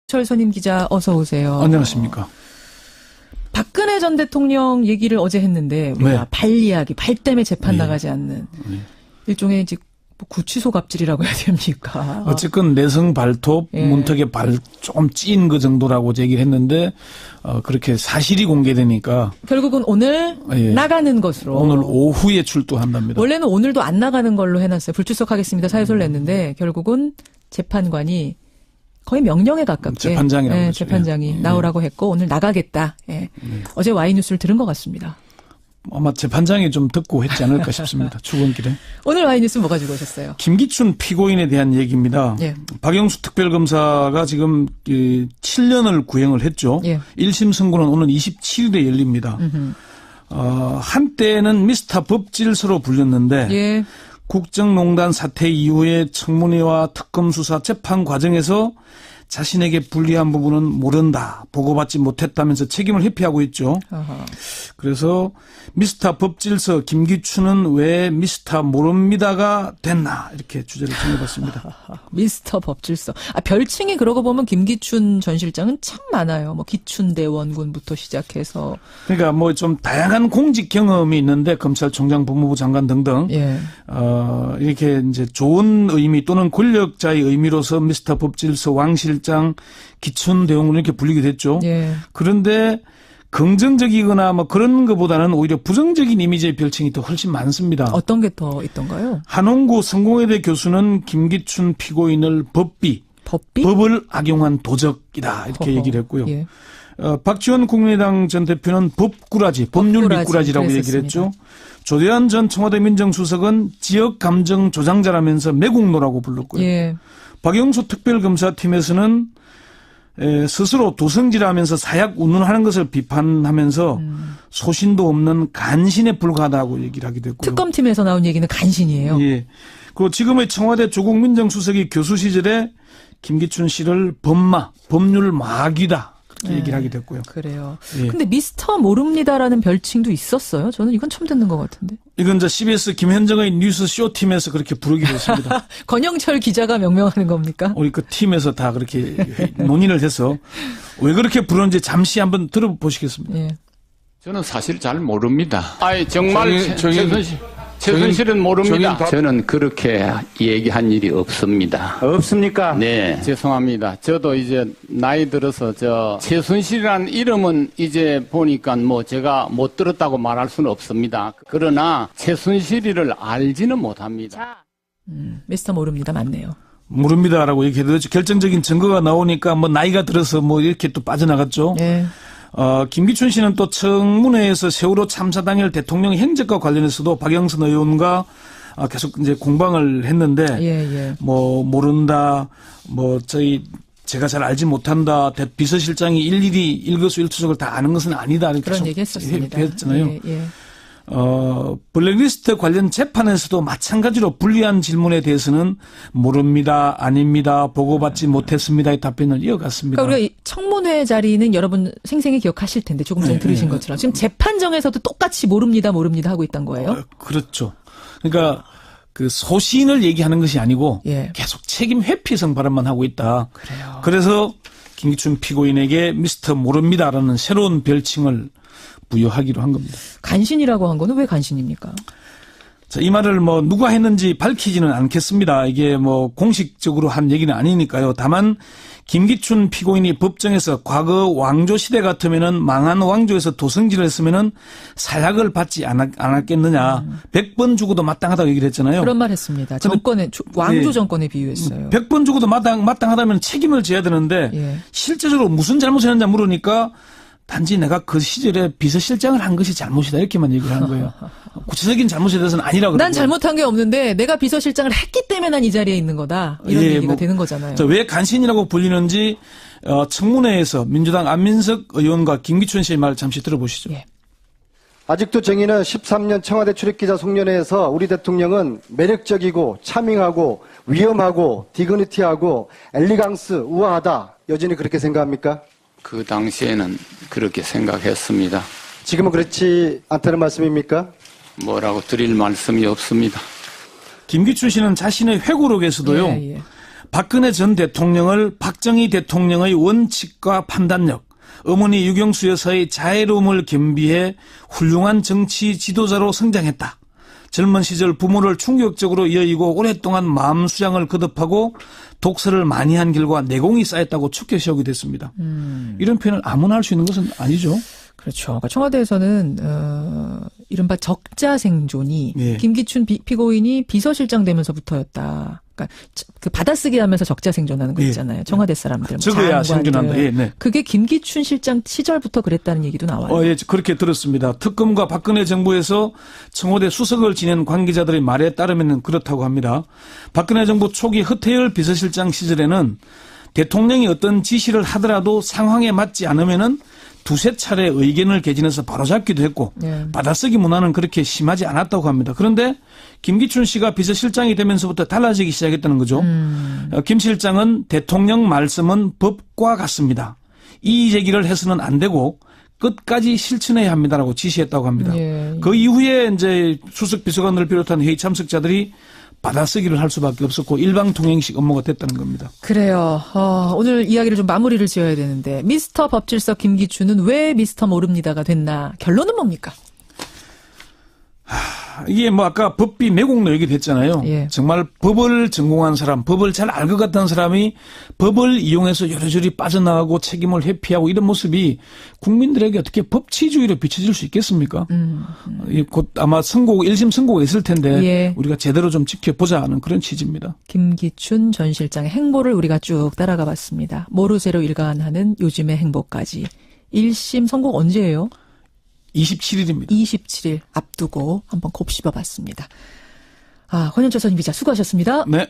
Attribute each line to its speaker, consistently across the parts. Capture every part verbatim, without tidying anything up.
Speaker 1: 철선임 기자 어서 오세요.
Speaker 2: 안녕하십니까.
Speaker 1: 박근혜 전 대통령 얘기를 어제 했는데 우리가
Speaker 2: 네.
Speaker 1: 발 이야기, 발 때문에 재판
Speaker 2: 네.
Speaker 1: 나가지 않는
Speaker 2: 네.
Speaker 1: 일종의 이제 구치소 갑질이라고 해야 됩니까?
Speaker 2: 어쨌건 내성 발톱,
Speaker 1: 예.
Speaker 2: 문턱에 발 조금 찐 그 정도라고 얘기를 했는데 어, 그렇게 사실이 공개되니까
Speaker 1: 결국은 오늘
Speaker 2: 예.
Speaker 1: 나가는 것으로.
Speaker 2: 오늘 오후에 출두한답니다.
Speaker 1: 원래는 오늘도 안 나가는 걸로 해놨어요. 불출석하겠습니다. 사유서를 냈는데 결국은 재판관이 거의 명령에 가깝게
Speaker 2: 재판장이라고
Speaker 1: 예,
Speaker 2: 그러죠.
Speaker 1: 재판장이
Speaker 2: 예.
Speaker 1: 나오라고 했고 오늘 나가겠다. 예.
Speaker 2: 네.
Speaker 1: 어제 와이뉴스를 들은 것 같습니다.
Speaker 2: 아마 재판장이 좀 듣고 했지 않을까 싶습니다. 출근길에.
Speaker 1: 오늘 와이뉴스 뭐 가지고 오셨어요?
Speaker 2: 김기춘 피고인에 대한 얘기입니다.
Speaker 1: 예.
Speaker 2: 박영수 특별검사가 지금 칠 년을 구형을 했죠.
Speaker 1: 예.
Speaker 2: 일 심 선고는 오늘 이십칠 일에 열립니다.
Speaker 1: 음흠.
Speaker 2: 어, 한때는 미스터 법질서로 불렸는데
Speaker 1: 예.
Speaker 2: 국정농단 사태 이후에 청문회와 특검 수사 재판 과정에서 자신에게 불리한 부분은 모른다, 보고받지 못했다면서 책임을 회피하고 있죠.
Speaker 1: 어허.
Speaker 2: 그래서 미스터 법질서 김기춘은 왜 미스터 모릅니다가 됐나 이렇게 주제를 정해봤습니다.
Speaker 1: 미스터 법질서. 아, 별칭이 그러고 보면 김기춘 전 실장은 참 많아요. 뭐 기춘대원군부터 시작해서.
Speaker 2: 그러니까 뭐 좀 다양한 공직 경험이 있는데 검찰총장, 법무부 장관 등등
Speaker 1: 예.
Speaker 2: 어, 이렇게 이제 좋은 의미 또는 권력자의 의미로서 미스터 법질서, 왕 실장, 기춘 대원군 이렇게 불리게 됐죠.
Speaker 1: 예.
Speaker 2: 그런데 긍정적이거나 뭐 그런 것보다는 오히려 부정적인 이미지의 별칭이 더 훨씬 많습니다.
Speaker 1: 어떤 게 더 있던가요?
Speaker 2: 한홍구 성공회대 교수는 김기춘 피고인을 법비,
Speaker 1: 법비?
Speaker 2: 법을 악용한 도적이다 이렇게
Speaker 1: 허허.
Speaker 2: 얘기를 했고요.
Speaker 1: 예.
Speaker 2: 어, 박지원 국민의당 전 대표는 법꾸라지, 법률
Speaker 1: 법꾸라지,
Speaker 2: 미꾸라지라고 얘기를
Speaker 1: 그랬었습니다.
Speaker 2: 했죠. 조대한 전 청와대 민정수석은 지역 감정 조장자라면서 매국노라고 불렀고요.
Speaker 1: 예.
Speaker 2: 박영수 특별검사팀에서는 에, 스스로 도성질하면서 사약 운운하는 것을 비판하면서
Speaker 1: 음.
Speaker 2: 소신도 없는 간신에 불과하다고 얘기를 하기도 했고요.
Speaker 1: 특검팀에서 나온 얘기는 간신이에요.
Speaker 2: 예. 그리고 지금의 청와대 조국 민정수석이 교수 시절에 김기춘 씨를 법마, 법률 마귀다 그렇게
Speaker 1: 네.
Speaker 2: 얘기를 하기도 했고요.
Speaker 1: 그래요.
Speaker 2: 예.
Speaker 1: 근데 미스터 모릅니다라는 별칭도 있었어요. 저는 이건 처음 듣는 것 같은데.
Speaker 2: 이건 이제 씨비에스 김현정의 뉴스 쇼팀에서 그렇게 부르기로 했습니다.
Speaker 1: 권영철 기자가 명명하는 겁니까?
Speaker 2: 우리 그 팀에서 다 그렇게 논의를 해서 왜 그렇게 부르는지 잠시 한번 들어보시겠습니다.
Speaker 1: 예.
Speaker 3: 저는 사실 잘 모릅니다. 아니 정말
Speaker 4: 정인- 정인-
Speaker 3: 최순실, 최순실은 모릅니다.
Speaker 4: 정인-
Speaker 3: 저는 그렇게 얘기한 일이 없습니다.
Speaker 4: 없습니까?
Speaker 3: 네, 죄송합니다. 저도 이제 나이 들어서 저 최순실이라는 이름은 이제 보니까 뭐 제가 못 들었다고 말할 수는 없습니다. 그러나 최순실이를 알지는 못합니다.
Speaker 1: 음, 미스터 모릅니다. 맞네요.
Speaker 2: 모릅니다라고 얘기해도 결정적인 증거가 나오니까 뭐 나이가 들어서 뭐 이렇게 또 빠져나갔죠.
Speaker 1: 예.
Speaker 2: 어, 김기춘 씨는 또 청문회에서 세월호 참사 당일 대통령 행적과 관련해서도 박영선 의원과 어, 계속 이제 공방을 했는데
Speaker 1: 예, 예.
Speaker 2: 뭐 모른다, 뭐 저희 제가 잘 알지 못한다, 대- 비서실장이 일일이 일거수일투족을 다 아는 것은 아니다 이렇게
Speaker 1: 그런
Speaker 2: 계속
Speaker 1: 얘기 했었습니다.
Speaker 2: 했잖아요.
Speaker 1: 예, 예.
Speaker 2: 어, 블랙리스트 관련 재판에서도 마찬가지로 불리한 질문에 대해서는 모릅니다, 아닙니다, 보고받지 못했습니다의 답변을 이어갔습니다.
Speaker 1: 그러니까 우리가 이 청문회 자리는 여러분 생생히 기억하실 텐데 조금 전에
Speaker 2: 네,
Speaker 1: 들으신
Speaker 2: 네.
Speaker 1: 것처럼 지금 재판정에서도 똑같이 모릅니다, 모릅니다 하고 있던 거예요.
Speaker 2: 어, 그렇죠. 그러니까 그 소신을 얘기하는 것이 아니고
Speaker 1: 예.
Speaker 2: 계속 책임 회피성 발언만 하고 있다.
Speaker 1: 그래요.
Speaker 2: 그래서 김기춘 피고인에게 미스터 모릅니다라는 새로운 별칭을 부여하기로 한 겁니다.
Speaker 1: 간신이라고 한 거는 왜 간신입니까?
Speaker 2: 자, 이 말을 뭐 누가 했는지 밝히지는 않겠습니다. 이게 뭐 공식적으로 한 얘기는 아니니까요. 다만 김기춘 피고인이 법정에서 과거 왕조 시대 같으면은 망한 왕조에서 도성질을 했으면은 사약을 받지 않았, 않았겠느냐.
Speaker 1: 음.
Speaker 2: 백 번 주고도 마땅하다고 얘기를 했잖아요.
Speaker 1: 그런 말 했습니다. 정권에 조- 왕조
Speaker 2: 예.
Speaker 1: 정권에 비유했어요.
Speaker 2: 백 번 주고도 마땅, 마땅하다면 책임을 져야 되는데
Speaker 1: 예.
Speaker 2: 실제적으로 무슨 잘못을 했는지 물으니까 단지 내가 그 시절에 비서실장을 한 것이 잘못이다 이렇게만 얘기를 하는 거예요. 구체적인 잘못에 대해서는 아니라고.
Speaker 1: 난
Speaker 2: 그러고요.
Speaker 1: 잘못한 게 없는데 내가 비서실장을 했기 때문에 난 이 자리에 있는 거다. 이런
Speaker 2: 예,
Speaker 1: 얘기가
Speaker 2: 뭐,
Speaker 1: 되는 거잖아요.
Speaker 2: 자, 왜 간신이라고 불리는지 어, 청문회에서 민주당 안민석 의원과 김기춘 씨의 말 잠시 들어보시죠.
Speaker 1: 예.
Speaker 5: 아직도 정의는 십삼 년 청와대 출입기자 송년회에서 우리 대통령은 매력적이고 차밍하고 위험하고 디그니티하고 엘리강스 우아하다. 여전히 그렇게 생각합니까?
Speaker 3: 그 당시에는 그렇게 생각했습니다.
Speaker 5: 지금은 그렇지 않다는 말씀입니까?
Speaker 3: 뭐라고 드릴 말씀이 없습니다.
Speaker 2: 김기춘 씨는 자신의 회고록에서도요.
Speaker 1: 예, 예.
Speaker 2: 박근혜 전 대통령을 박정희 대통령의 원칙과 판단력, 어머니 유경수 여사의 자애로움을 겸비해 훌륭한 정치 지도자로 성장했다. 젊은 시절 부모를 충격적으로 여의고 오랫동안 마음 수양을 거듭하고 독서를 많이 한 결과 내공이 쌓였다고 축켜 세우게 됐습니다. 음. 이런 표현을 아무나 할 수 있는 것은 아니죠.
Speaker 1: 그렇죠. 그러니까 청와대에서는 어, 이른바 적자 생존이 예. 김기춘 비, 피고인이 비서실장 되면서부터였다. 그러니까 그 받아쓰기 하면서 적자 생존하는 거 있잖아요. 예. 청와대 사람들.
Speaker 2: 적어야 생존한다. 예, 네.
Speaker 1: 그게 김기춘 실장 시절부터 그랬다는 얘기도 나와요.
Speaker 2: 어, 예, 그렇게 들었습니다. 특검과 박근혜 정부에서 청와대 수석을 지낸 관계자들의 말에 따르면 그렇다고 합니다. 박근혜 정부 초기 허태열 비서실장 시절에는 대통령이 어떤 지시를 하더라도 상황에 맞지 않으면은 두세 차례 의견을 개진해서 바로잡기도 했고 네. 받아쓰기 문화는 그렇게 심하지 않았다고 합니다. 그런데 김기춘 씨가 비서실장이 되면서부터 달라지기 시작했다는 거죠. 음. 김 실장은 대통령 말씀은 법과 같습니다. 이의 제기를 해서는 안 되고 끝까지 실천해야 합니다라고 지시했다고 합니다. 예. 그 이후에 이제 수석 비서관을 비롯한 회의 참석자들이 받아쓰기를 할 수밖에 없었고 일방통행식 업무가 됐다는 겁니다.
Speaker 1: 그래요. 어, 오늘 이야기를 좀 마무리를 지어야 되는데 미스터 법질서 김기춘은 왜 미스터 모릅니다가 됐나? 결론은 뭡니까?
Speaker 2: 하, 이게 뭐 아까 법비 매국노 얘기 됐잖아요. 예. 정말 법을 전공한 사람, 법을 잘 알 것 같은 사람이 법을 이용해서 여러저리 빠져나가고 책임을 회피하고 이런 모습이 국민들에게 어떻게 법치주의로 비춰질 수 있겠습니까? 음, 음. 곧 아마 선고, 일심 선고가 있을 텐데 예. 우리가 제대로 좀 지켜보자 하는 그런 취지입니다.
Speaker 1: 김기춘 전 실장의 행보를 우리가 쭉 따라가 봤습니다. 모르쇠로 일관하는 요즘의 행보까지. 일심 선고 언제예요?
Speaker 2: 이십칠 일입니다.
Speaker 1: 이십칠 일 앞두고 한번 곱씹어 봤습니다. 아, 권현철 선임 기자 수고하셨습니다.
Speaker 2: 네.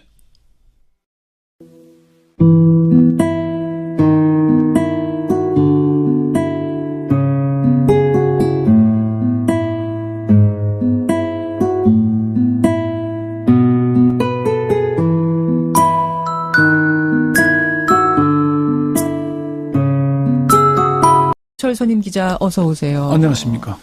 Speaker 1: 선임 기자 어서 오세요.
Speaker 2: 안녕하십니까.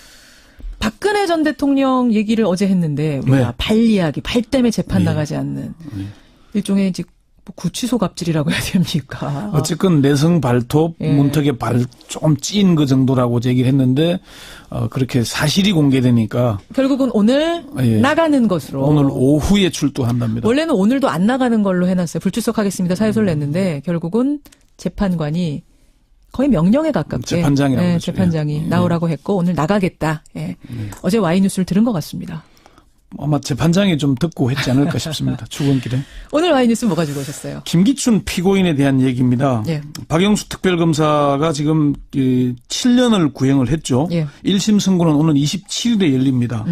Speaker 1: 박근혜 전 대통령 얘기를 어제 했는데 우리가 네. 발 이야기, 발 때문에 재판 네. 나가지 않는 네. 일종의 이제 구치소 갑질이라고 해야 됩니까?
Speaker 2: 어쨌건 내성 발톱, 예. 문턱에 발 좀 찐 그 정도라고 얘기를 했는데 어, 그렇게 사실이 공개되니까
Speaker 1: 결국은 오늘 예. 나가는 것으로
Speaker 2: 오늘 오후에 출두한답니다.
Speaker 1: 원래는 오늘도 안 나가는 걸로 해놨어요. 불출석하겠습니다. 사유서를 냈는데 결국은 재판관이 거의 명령에 가깝게
Speaker 2: 재판장이라고
Speaker 1: 네, 재판장이 예. 나오라고 했고 오늘 나가겠다. 예. 예. 어제 와이뉴스를 들은 것 같습니다.
Speaker 2: 아마 재판장이 좀 듣고 했지 않을까 싶습니다. 출근길에.
Speaker 1: 오늘 와이뉴스 뭐 가지고 오셨어요?
Speaker 2: 김기춘 피고인에 대한 얘기입니다. 예. 박영수 특별검사가 지금 칠 년을 구형을 했죠. 예. 일 심 선고는 오늘 이십칠 일에 열립니다.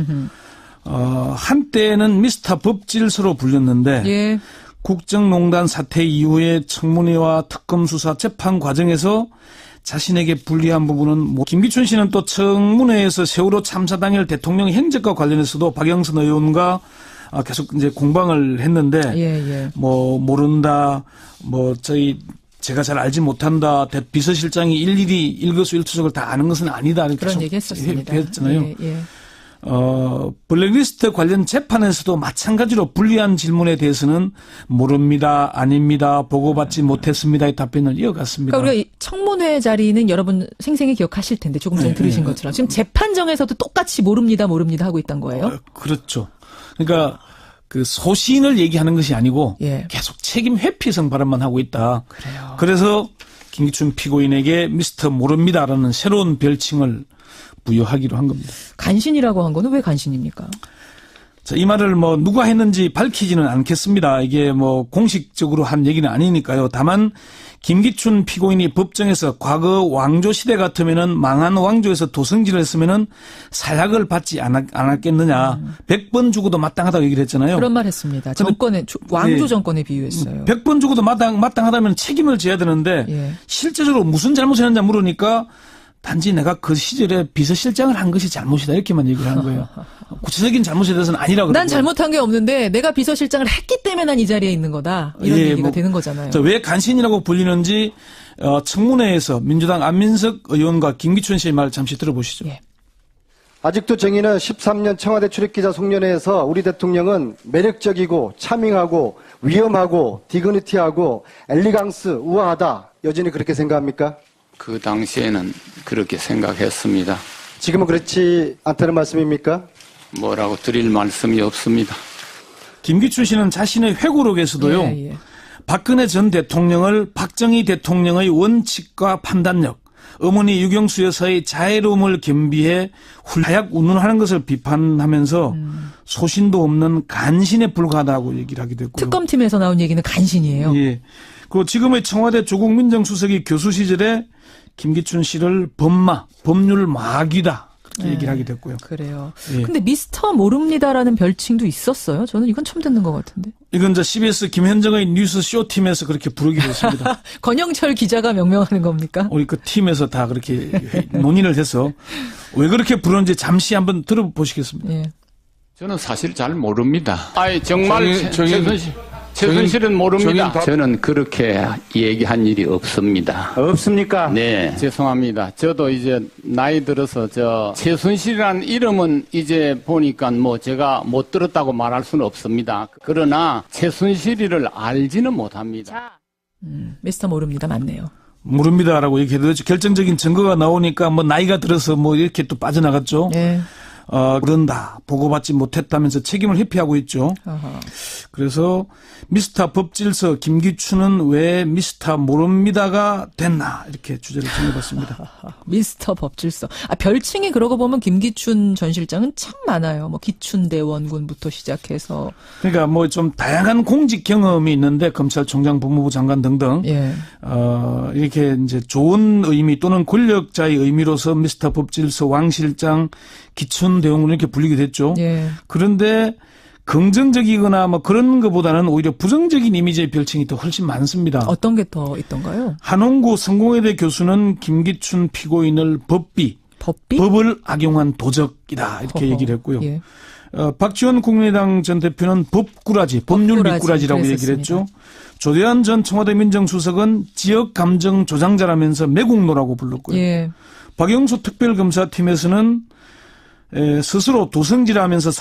Speaker 2: 어, 한때는 미스터 법질서로 불렸는데 예. 국정농단 사태 이후에 청문회와 특검 수사 재판 과정에서 자신에게 불리한 부분은 뭐 김기춘 씨는 또 청문회에서 세월호 참사 당일 대통령 행적과 관련해서도 박영선 의원과 계속 이제 공방을 했는데 예, 예. 뭐 모른다, 뭐 저희 제가 잘 알지 못한다, 비서실장이 일일이 일거수일투족을 다 아는 것은 아니다 이렇게
Speaker 1: 그런 얘기했었습니다.
Speaker 2: 했잖아요.
Speaker 1: 예, 예.
Speaker 2: 어, 블랙리스트 관련 재판에서도 마찬가지로 불리한 질문에 대해서는 모릅니다, 아닙니다, 보고받지 못했습니다의 답변을 이어갔습니다.
Speaker 1: 그러니까 우리가 청문회 자리는 여러분 생생히 기억하실 텐데 조금 전에 네, 들으신 네. 것처럼 지금 재판정에서도 똑같이 모릅니다, 모릅니다 하고 있던 거예요?
Speaker 2: 어, 그렇죠. 그러니까 그 소신을 얘기하는 것이 아니고
Speaker 1: 예.
Speaker 2: 계속 책임 회피성 발언만 하고 있다.
Speaker 1: 그래요.
Speaker 2: 그래서 김기춘 피고인에게 미스터 모릅니다라는 새로운 별칭을 부여하기로 한 겁니다.
Speaker 1: 간신이라고 한 거는 왜 간신입니까?
Speaker 2: 자, 이 말을 뭐 누가 했는지 밝히지는 않겠습니다. 이게 뭐 공식적으로 한 얘기는 아니니까요. 다만 김기춘 피고인이 법정에서 과거 왕조 시대 같으면은 망한 왕조에서 도성질을 했으면은 사약을 받지 않았, 않았겠느냐. 음. 백 번 죽어도 마땅하다고 얘기를 했잖아요.
Speaker 1: 그런 말 했습니다. 정권에, 왕조 예. 정권에 비유했어요.
Speaker 2: 백 번 죽어도 마땅, 마땅하다면 책임을 져야 되는데 예. 실제적으로 무슨 잘못을 했는지 물으니까 단지 내가 그 시절에 비서실장을 한 것이 잘못이다 이렇게만 얘기를 하는 거예요. 구체적인 잘못에 대해서는 아니라고.
Speaker 1: 난 잘못한 게 없는데 내가 비서실장을 했기 때문에 난 이 자리에 있는 거다. 이런 예, 얘기가 뭐, 되는 거잖아요.
Speaker 2: 왜 간신이라고 불리는지 어, 청문회에서 민주당 안민석 의원과 김기춘 씨의 말을 잠시 들어보시죠. 예.
Speaker 5: 아직도 정의는 십삼 년 청와대 출입기자 송년회에서 우리 대통령은 매력적이고 차밍하고 위험하고 디그니티하고 엘리강스 우아하다. 여전히 그렇게 생각합니까?
Speaker 3: 그 당시에는 그렇게 생각했습니다.
Speaker 5: 지금은 그렇지 않다는 말씀입니까?
Speaker 3: 뭐라고 드릴 말씀이 없습니다.
Speaker 2: 김기춘 씨는 자신의 회고록에서도요.
Speaker 1: 예, 예.
Speaker 2: 박근혜 전 대통령을 박정희 대통령의 원칙과 판단력, 어머니 유경수 여사의 자애로움을 겸비해 훌하약 운운하는 것을 비판하면서 음. 소신도 없는 간신에 불과하다고 얘기를 하게 됐고요.
Speaker 1: 특검팀에서 나온 얘기는 간신이에요.
Speaker 2: 예. 그리고 지금의 청와대 조국 민정수석이 교수 시절에 김기춘 씨를 법마, 법률 마귀다. 그렇게
Speaker 1: 네,
Speaker 2: 얘기를 하게 됐고요.
Speaker 1: 그래요.
Speaker 2: 예.
Speaker 1: 근데 미스터 모릅니다라는 별칭도 있었어요. 저는 이건 처음 듣는 것 같은데.
Speaker 2: 이건 이제 씨비에스 김현정의 뉴스 쇼팀에서 그렇게 부르기로 했습니다.
Speaker 1: 권영철 기자가 명명하는 겁니까?
Speaker 2: 우리 그 팀에서 다 그렇게 논의를 해서 왜 그렇게 부르는지 잠시 한번 들어보시겠습니다.
Speaker 1: 예.
Speaker 3: 저는 사실 잘 모릅니다. 아니 정말
Speaker 4: 정인, 정인,
Speaker 3: 최순실, 최순실은 모릅니다.
Speaker 4: 밥...
Speaker 3: 저는 그렇게 얘기한 일이 없습니다.
Speaker 5: 없습니까?
Speaker 3: 네, 죄송합니다. 저도 이제 나이 들어서 저 최순실이라는 이름은 이제 보니까 뭐 제가 못 들었다고 말할 수는 없습니다. 그러나 최순실이를 알지는 못합니다.
Speaker 1: 음, 미스터 모릅니다. 맞네요.
Speaker 2: 모릅니다라고 얘기해도 결정적인 증거가 나오니까 뭐 나이가 들어서 뭐 이렇게 또 빠져나갔죠.
Speaker 1: 네.
Speaker 2: 어, 그런다. 보고받지 못했다면서 책임을 회피하고 있죠.
Speaker 1: 어허.
Speaker 2: 그래서 미스터 법질서 김기춘은 왜 미스터 모릅니다가 됐나 이렇게 주제를 정해봤습니다.
Speaker 1: 미스터 법질서. 아, 별칭이 그러고 보면 김기춘 전 실장은 참 많아요. 뭐 기춘대원군부터 시작해서.
Speaker 2: 그러니까 뭐 좀 다양한 공직 경험이 있는데 검찰총장, 법무부 장관 등등.
Speaker 1: 예.
Speaker 2: 어, 이렇게 이제 좋은 의미 또는 권력자의 의미로서 미스터 법질서, 왕 실장, 기춘 대원군 이렇게 불리게 됐죠.
Speaker 1: 예.
Speaker 2: 그런데 긍정적이거나 뭐 그런 것보다는 오히려 부정적인 이미지의 별칭이 더 훨씬 많습니다.
Speaker 1: 어떤 게 더 있던가요?
Speaker 2: 한홍구 성공회대 교수는 김기춘 피고인을 법비,
Speaker 1: 법비?
Speaker 2: 법을 악용한 도적이다 이렇게
Speaker 1: 허허.
Speaker 2: 얘기를 했고요.
Speaker 1: 예.
Speaker 2: 어, 박지원 국민의당 전 대표는 법꾸라지, 법률
Speaker 1: 법꾸라지,
Speaker 2: 미꾸라지라고 얘기를 했죠. 조대한 전 청와대 민정수석은 지역 감정 조장자라면서 매국노라고 불렀고요.
Speaker 1: 예.
Speaker 2: 박영수 특별검사팀에서는 에, 스스로 도성질하면서